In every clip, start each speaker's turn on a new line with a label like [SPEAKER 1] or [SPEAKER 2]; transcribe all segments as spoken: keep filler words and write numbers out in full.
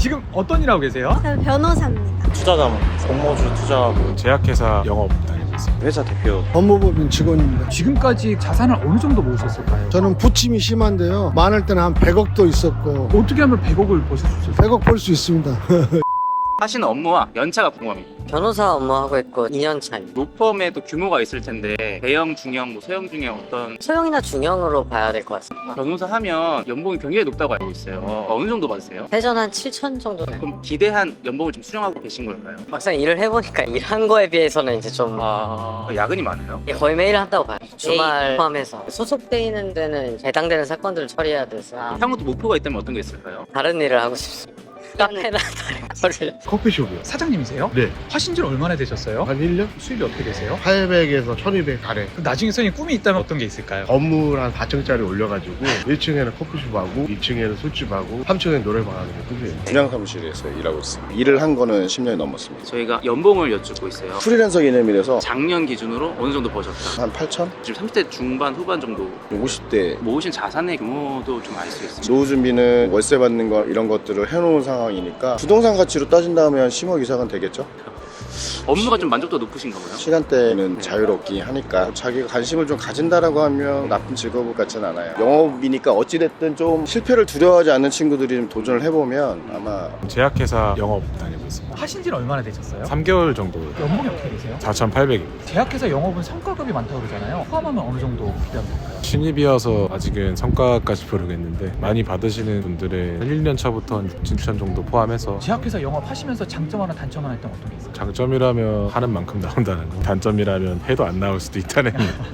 [SPEAKER 1] 지금 어떤 일 하고 계세요?
[SPEAKER 2] 저는 변호사입니다.
[SPEAKER 3] 투자자문, 공모주 투자하고
[SPEAKER 4] 제약회사 영업 다니고 있습니다.
[SPEAKER 3] 회사 대표.
[SPEAKER 5] 법무법인 직원입니다.
[SPEAKER 1] 지금까지 자산을 어느 정도 모으셨을까요?
[SPEAKER 5] 저는 부침이 심한데요. 많을 때는 한 백억도 있었고
[SPEAKER 1] 어떻게 하면 백억을 버실 수 있어요?
[SPEAKER 5] 백억 벌 수 있습니다.
[SPEAKER 6] 하시는 업무와 연차가 궁금합니다.
[SPEAKER 7] 변호사 업무하고 있고 이 년 차입니다.
[SPEAKER 6] 로펌에도 규모가 있을 텐데 대형, 중형, 뭐 소형 중에 어떤
[SPEAKER 7] 소형이나 중형으로 봐야 될 것 같습니다.
[SPEAKER 6] 변호사 하면 연봉이 굉장히 높다고 알고 있어요. 어느 정도 받으세요?
[SPEAKER 7] 회전 한 칠천 정도.
[SPEAKER 6] 그럼 기대한 연봉을 좀 수령하고 계신 걸까요?
[SPEAKER 7] 막상 일을 해보니까 일한 거에 비해서는 이제 좀
[SPEAKER 6] 아, 야근이 많아요?
[SPEAKER 7] 예, 거의 매일 한다고 봐요. 주말 포함해서 소속돼 있는 데는 해당되는 사건들을 처리해야 돼서
[SPEAKER 6] 향후도 목표가 있다면 어떤 게 있을까요?
[SPEAKER 7] 다른 일을 하고 싶습니다. 카페나 다른 거를.
[SPEAKER 8] 커피숍이요.
[SPEAKER 1] 사장님이세요?
[SPEAKER 8] 네.
[SPEAKER 1] 하신 지 얼마나 되셨어요?
[SPEAKER 8] 한 일 년?
[SPEAKER 1] 수입이 어떻게 되세요?
[SPEAKER 8] 팔백에서 천이백 아래.
[SPEAKER 1] 그럼 나중에 선생님 꿈이 있다면 어떤 게 있을까요?
[SPEAKER 8] 건물 한 사 층짜리 올려가지고 일 층에는 커피숍하고 이 층에는 술집하고 삼 층에는 노래방 하는 게 꿈이에요.
[SPEAKER 9] 분양 사무실에서 일하고 있습니다. 일을 한 거는 십 년이 넘었습니다.
[SPEAKER 6] 저희가 연봉을 여쭙고 있어요.
[SPEAKER 9] 프리랜서 개념이라서
[SPEAKER 6] 작년 기준으로 어느 정도 버셨다?
[SPEAKER 9] 한 팔천?
[SPEAKER 6] 지금 삼십 대 중반, 후반 정도
[SPEAKER 9] 오십 대
[SPEAKER 6] 모으신 자산의 규모도 좀 알 수 있습니다.
[SPEAKER 9] 노후 준비는 월세 받는 거 이런 것들을 해놓은 상황이니까 부동산 가치로 따진다면 한 십억 이상은 되겠죠?
[SPEAKER 6] 업무가 좀 만족도가 높으신가 봐요.
[SPEAKER 9] 시간대는 자유롭긴 하니까 자기가 관심을 좀 가진다라고 하면 나쁜 직업 같지는 않아요. 영업이니까 어찌됐든 좀 실패를 두려워하지 않는 친구들이 좀 도전을 해보면 아마
[SPEAKER 4] 제약회사 영업 다니고 있습니다.
[SPEAKER 1] 하신 지는 얼마나 되셨어요?
[SPEAKER 4] 삼 개월 정도.
[SPEAKER 1] 연봉이 어떻게 되세요?
[SPEAKER 4] 사천팔백입니다.
[SPEAKER 1] 제약회사 영업은 성과급이 많다고 그러잖아요. 포함하면 어느 정도 기대하면 될까요?
[SPEAKER 4] 신입이어서 아직은 성과까지 모르겠는데 많이 받으시는 분들의 일 년 차부터 한 육, 칠천 정도 포함해서
[SPEAKER 1] 제약회사 영업 하시면서 장점 하나 단점 하나 있다면 어떤 게 있어요?
[SPEAKER 4] 장점이라면 하는 만큼 나온다는 거, 단점이라면 해도 안 나올 수도 있다는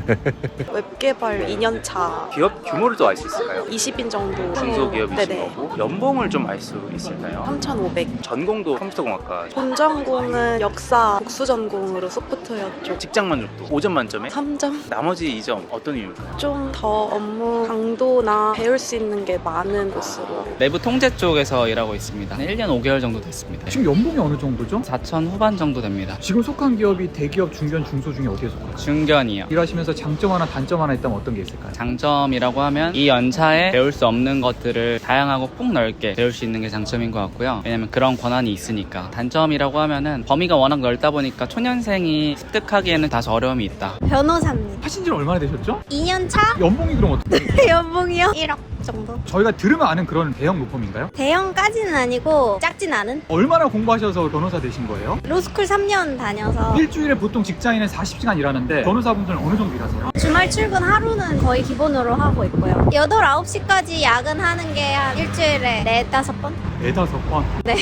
[SPEAKER 10] 웹개발 이 년 차
[SPEAKER 6] 기업 규모를 또 알 수 있을까요?
[SPEAKER 10] 이십 인 정도.
[SPEAKER 6] 중소기업이신
[SPEAKER 10] 네네.
[SPEAKER 6] 거고 연봉을 좀 알 수 있을까요?
[SPEAKER 10] 삼천오백.
[SPEAKER 6] 전공도 컴퓨터공학과,
[SPEAKER 10] 본전공은 역사 복수전공으로 소프트웨어 쪽.
[SPEAKER 6] 직장 만족도 오 점 만점에
[SPEAKER 10] 삼 점.
[SPEAKER 6] 나머지 이 점 어떤 이유일까요?
[SPEAKER 10] 좀 더 업무 강도나 배울 수 있는 게 많은 곳으로.
[SPEAKER 11] 내부 통제 쪽에서 일하고 있습니다. 일 년 오 개월 정도 됐습니다.
[SPEAKER 1] 지금 연봉이 어느 정도죠?
[SPEAKER 11] 사천 후반 정도 됩니다.
[SPEAKER 1] 지금 속한 기업이 대기업, 중견, 중소 중에 어디에 속하죠?
[SPEAKER 11] 중견이요.
[SPEAKER 1] 일하시면서 장점 하나 단점 하나 있다면 어떤 게 있을까요?
[SPEAKER 11] 장점이라고 하면 이 연차에 배울 수 없는 것들을 다양하고 폭넓게 배울 수 있는 게 장점인 것 같고요. 왜냐면 그런 권한이 있으니까. 단점이라고 하면은 범위가 워낙 넓다 보니까 초년생이 습득하기에는 다소 어려움이 있다.
[SPEAKER 2] 변호사입니다.
[SPEAKER 1] 하신 지는 얼마나 되셨죠?
[SPEAKER 2] 이 년 차?
[SPEAKER 1] 연봉이 그럼 어떻게 돼요?
[SPEAKER 2] 연봉이요? 일억 정도.
[SPEAKER 1] 저희가 들으면 아는 그런 대형 로펌인가요?
[SPEAKER 2] 대형까지는 아니고 작진 않은?
[SPEAKER 1] 얼마나 공부하셔서 변호사 되신 거예요?
[SPEAKER 2] 로스쿨 삼 년 다녀서
[SPEAKER 1] 일주일에 보통 직장인은 사십 시간 일하는데 변호사분들은 어느 정도 일하세요?
[SPEAKER 2] 주말 출근 하루는 거의 기본으로 하고 있고요. 여덟, 아홉 시까지 야근하는 게 한 일주일에 네, 다섯 번?
[SPEAKER 1] 네다섯 번?
[SPEAKER 2] 네.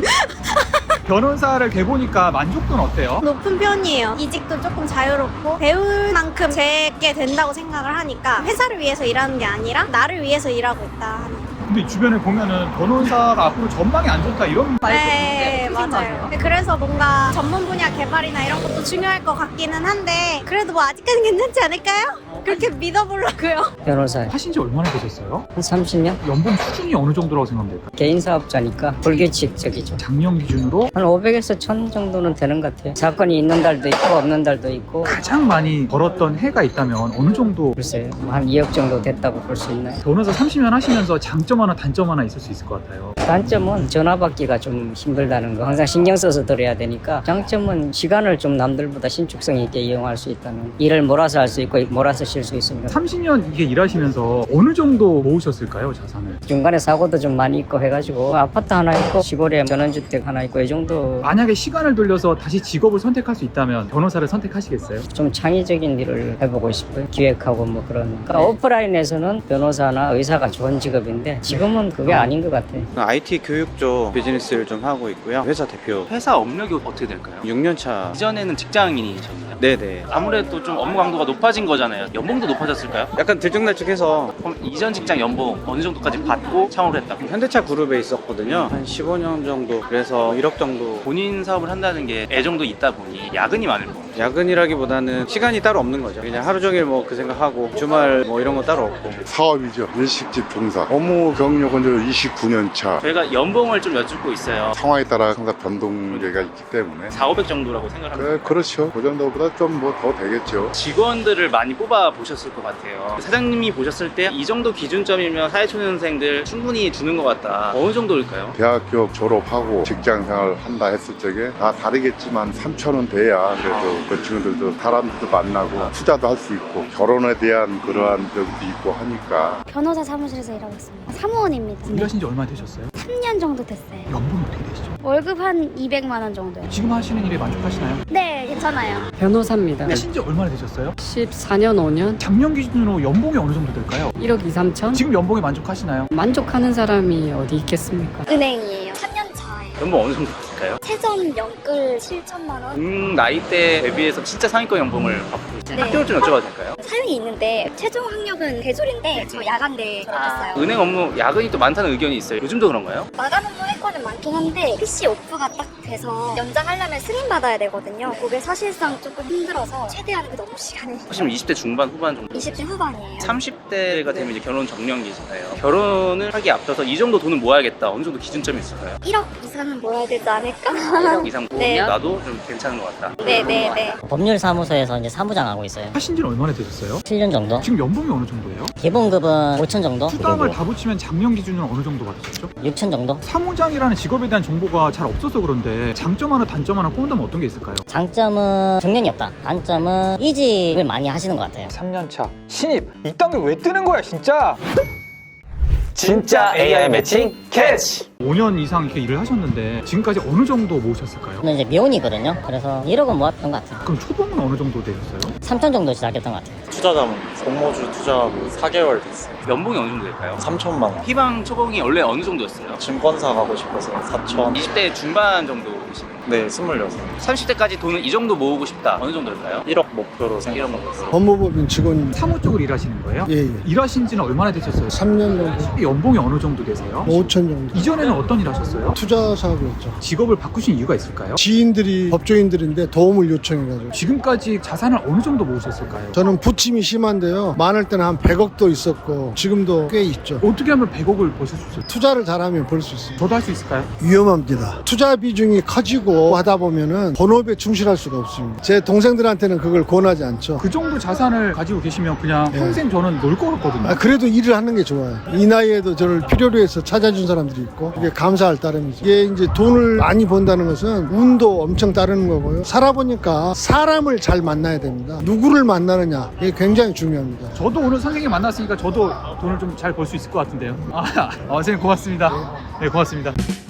[SPEAKER 1] 변호사를 돼보니까 만족도는 어때요?
[SPEAKER 2] 높은 편이에요. 이직도 조금 자유롭고 배울 만큼 제게 된다고 생각을 하니까 회사를 위해서 일하는 게 아니라 나를 위해서 일하고 있다 하는.
[SPEAKER 1] 근데 주변에 보면은 변호사가 앞으로 전망이 안 좋다 이런 말도
[SPEAKER 2] 네,
[SPEAKER 1] 있는데
[SPEAKER 2] 맞아요. 그래서 뭔가 전문 분야 개발이나 이런 것도 중요할 것 같기는 한데 그래도 뭐 아직까지는 괜찮지 않을까요? 그렇게 믿어보려고요.
[SPEAKER 7] 변호사
[SPEAKER 1] 하신 지 얼마나 되셨어요?
[SPEAKER 7] 한 삼십 년?
[SPEAKER 1] 연봉 수준이 어느 정도라고 생각하면 될까요?
[SPEAKER 7] 개인 사업자니까 불규칙적이죠.
[SPEAKER 1] 작년 기준으로
[SPEAKER 7] 한 오백에서 천 정도는 되는 것 같아요. 사건이 있는 달도 있고 없는 달도 있고.
[SPEAKER 1] 가장 많이 벌었던 해가 있다면 어느 정도?
[SPEAKER 7] 글쎄요. 한 이억 정도 됐다고 볼 수 있나요?
[SPEAKER 1] 변호사 삼십 년 하시면서 장점 하나 단점 하나 있을 수 있을 것 같아요.
[SPEAKER 7] 단점은 전화 받기가 좀 힘들다는 거. 항상 신경 써서 들어야 되니까. 장점은 시간을 좀 남들보다 신축성 있게 이용할 수 있다는. 일을 몰아서 할 수 있고 몰아서 쉴 수 있습니다.
[SPEAKER 1] 삼십 년 이게 일하시면서 어느 정도 모으셨을까요, 자산을?
[SPEAKER 7] 중간에 사고도 좀 많이 있고 해가지고 아파트 하나 있고 시골에 전원주택 하나 있고 이 정도.
[SPEAKER 1] 만약에 시간을 돌려서 다시 직업을 선택할 수 있다면 변호사를 선택하시겠어요?
[SPEAKER 7] 좀 창의적인 일을 해보고 싶어요. 기획하고 뭐 그런. 그러니까 오프라인에서는 변호사나 의사가 좋은 직업인데 지금은 그게 아닌 것 같아요.
[SPEAKER 3] 아이티 교육 쪽 비즈니스를 좀 하고 있고요. 회사 대표
[SPEAKER 6] 회사 업력이 어떻게 될까요?
[SPEAKER 3] 육 년 차.
[SPEAKER 6] 이전에는 직장인이셨나요?
[SPEAKER 3] 네네.
[SPEAKER 6] 아무래도 좀 업무 강도가 높아진 거잖아요. 연봉도 높아졌을까요?
[SPEAKER 3] 약간 들쭉날쭉해서
[SPEAKER 6] 그럼 이전 직장 연봉 어느 정도까지 받고 창업을 했다?
[SPEAKER 3] 현대차 그룹에 있었거든요. 한 십오 년 정도. 그래서 일억 정도.
[SPEAKER 6] 본인 사업을 한다는 게 애정도 있다 보니 야근이 많을 거예요.
[SPEAKER 3] 야근이라기보다는 시간이 따로 없는 거죠. 그냥 하루 종일 뭐 그 생각하고 주말 뭐 이런 거 따로 없고.
[SPEAKER 12] 사업이죠. 일식집 종사. 업무 경력은 이십구 년 차.
[SPEAKER 6] 저희가 연봉을 좀 여쭙고 있어요.
[SPEAKER 12] 상황에 따라 항상 변동계가 있기 때문에.
[SPEAKER 6] 사오백 정도라고 생각합니다.
[SPEAKER 12] 그, 그렇죠. 그 정도보다 좀 뭐 더 되겠죠.
[SPEAKER 6] 직원들을 많이 뽑아 보셨을 것 같아요. 사장님이 보셨을 때 이 정도 기준점이면 사회초년생들 충분히 주는 것 같다. 어느 정도 정도일까요?
[SPEAKER 12] 대학교 졸업하고 직장 생활 한다 했을 적에 다 다르겠지만 삼천 원 돼야 그래도 그 친구들도 사람들도 만나고 투자도 할 수 있고 결혼에 대한 그러한 적도 있고 하니까.
[SPEAKER 13] 변호사 사무실에서 일하고 있습니다. 사무원입니다.
[SPEAKER 1] 일하신 지 얼마 되셨어요?
[SPEAKER 13] 삼 년 정도 됐어요.
[SPEAKER 1] 연봉이 어떻게 되시죠?
[SPEAKER 13] 월급 한 이백만 원 정도요.
[SPEAKER 1] 지금 하시는 일에 만족하시나요?
[SPEAKER 13] 네, 괜찮아요.
[SPEAKER 14] 변호사입니다.
[SPEAKER 1] 하신 지 얼마나 되셨어요?
[SPEAKER 14] 십사 년, 오 년,
[SPEAKER 1] 작년 기준으로 연봉이 어느 정도 될까요?
[SPEAKER 14] 일억 이, 삼천?
[SPEAKER 1] 지금 연봉에 만족하시나요?
[SPEAKER 14] 만족하는 사람이 어디 있겠습니까?
[SPEAKER 13] 은행이에요. 삼 년 차예요.
[SPEAKER 6] 연봉 어느 정도 될까요?
[SPEAKER 13] 세전 연끌 칠천만 원.
[SPEAKER 6] 음, 나이대 대비해서 진짜 상위권 연봉을 받고 있어요.
[SPEAKER 13] 네.
[SPEAKER 6] 학교를 좀 여쭤봐도 될까요?
[SPEAKER 13] 사용이 있는데 최종 학력은 대졸인데 저 야간대 졸업했어요.
[SPEAKER 6] 은행 업무 야근이 또 많다는 의견이 있어요. 요즘도 그런가요?
[SPEAKER 13] 마감 업무 할 거는 많긴 한데 피씨 오프가 딱 돼서 연장하려면 승인 받아야 되거든요. 그게 사실상 조금 힘들어서 최대한 그 너무 시간이.
[SPEAKER 6] 혹시 이십 대 중반 후반 정도?
[SPEAKER 13] 이십 대 후반이에요.
[SPEAKER 6] 삼십 대가 되면 이제 결혼 정년기잖아요. 결혼을 하기에 앞서서 이 정도 돈은 모아야겠다. 어느 정도 기준점이 있을까요?
[SPEAKER 13] 일억 이상은 모아야 되지 않을까?
[SPEAKER 6] 일억 이상 모으면
[SPEAKER 13] 네.
[SPEAKER 6] 나도 좀 괜찮은 것 같다.
[SPEAKER 13] 네네네.
[SPEAKER 7] 법률사무소에서 이제 사무장 하고 있어요.
[SPEAKER 1] 하신 지는 얼마나 되셨어요?
[SPEAKER 7] 칠 년 정도.
[SPEAKER 1] 지금 연봉이 어느 정도예요?
[SPEAKER 7] 기본급은 오천 정도.
[SPEAKER 1] 수당을 다 붙이면 작년 기준으로 어느 정도 받으셨죠?
[SPEAKER 7] 육천 정도.
[SPEAKER 1] 사무장이라는 직업에 대한 정보가 잘 없어서 그런데 장점 하나 단점 하나 꼽는다면 어떤 게 있을까요?
[SPEAKER 7] 장점은 정년이 없다. 단점은 이직을 많이 하시는 것 같아요.
[SPEAKER 1] 삼 년 차 신입 이딴 게 왜 뜨는 거야 진짜.
[SPEAKER 6] 진짜 에이아이 매칭 캐치!
[SPEAKER 1] 오 년 이상 이렇게 일을 하셨는데 지금까지 어느 정도 모으셨을까요?
[SPEAKER 7] 저는 이제 미혼이거든요. 그래서 일억은 모았던 것 같아요.
[SPEAKER 1] 그럼 초봉은 어느 정도 되셨어요?
[SPEAKER 7] 삼천 정도 시작했던 것 같아요.
[SPEAKER 15] 투자자문 공모주 투자하고 사 개월 됐어요.
[SPEAKER 6] 연봉이 어느 정도 될까요?
[SPEAKER 15] 삼천만 원.
[SPEAKER 6] 희망 초봉이 원래 어느 정도였어요?
[SPEAKER 15] 증권사 가고 싶어서 사천.
[SPEAKER 6] 이십 대 중반 정도이시면
[SPEAKER 15] 네, 스물여섯.
[SPEAKER 6] 삼십 대까지 돈을 이 정도 모으고 싶다. 어느 정도일까요?
[SPEAKER 15] 일억 목표로 생각하고 있어요.
[SPEAKER 5] 법무법인 직원.
[SPEAKER 1] 사무 쪽으로 일하시는 거예요?
[SPEAKER 5] 예, 예.
[SPEAKER 1] 일하신 지는 얼마나 되셨어요?
[SPEAKER 5] 삼 년 정도.
[SPEAKER 1] 연봉이 어느 정도 되세요?
[SPEAKER 5] 오천 정도.
[SPEAKER 1] 이전에는 어떤 일 하셨어요?
[SPEAKER 5] 투자 사업이었죠.
[SPEAKER 1] 직업을 바꾸신 이유가 있을까요?
[SPEAKER 5] 지인들이 법조인들인데 도움을 요청해가지고.
[SPEAKER 1] 지금까지 자산을 어느 정도 모으셨을까요?
[SPEAKER 5] 저는 부침이 심한데요. 많을 때는 한 백억도 있었고 지금도 꽤 있죠.
[SPEAKER 1] 어떻게 하면 백억을 버실 수 있어요?
[SPEAKER 5] 투자를 잘하면 벌 수 있어요.
[SPEAKER 1] 저도 할 수 있을까요?
[SPEAKER 5] 위험합니다. 투자 비중이 커지고 하다 보면은 본업에 충실할 수가 없습니다. 제 동생들한테는 그걸 권하지 않죠.
[SPEAKER 1] 그 정도 자산을 가지고 계시면 그냥
[SPEAKER 5] 예.
[SPEAKER 1] 평생 저는 놀 것 같거든요.
[SPEAKER 5] 아, 그래도 일을 하는 게 좋아요. 이 나이에도 저를 필요로 해서 찾아준 사람들이 있고 그게 감사할 따름이죠. 이게 이제 돈을 많이 번다는 것은 운도 엄청 따르는 거고요. 살아보니까 사람을 잘 만나야 됩니다. 누구를 만나느냐 이게 굉장히 중요합니다.
[SPEAKER 1] 저도 오늘 선생님 만났으니까 저도 돈을 좀 잘 벌 수 있을 것 같은데요. 아, 아, 선생님 고맙습니다. 네, 고맙습니다.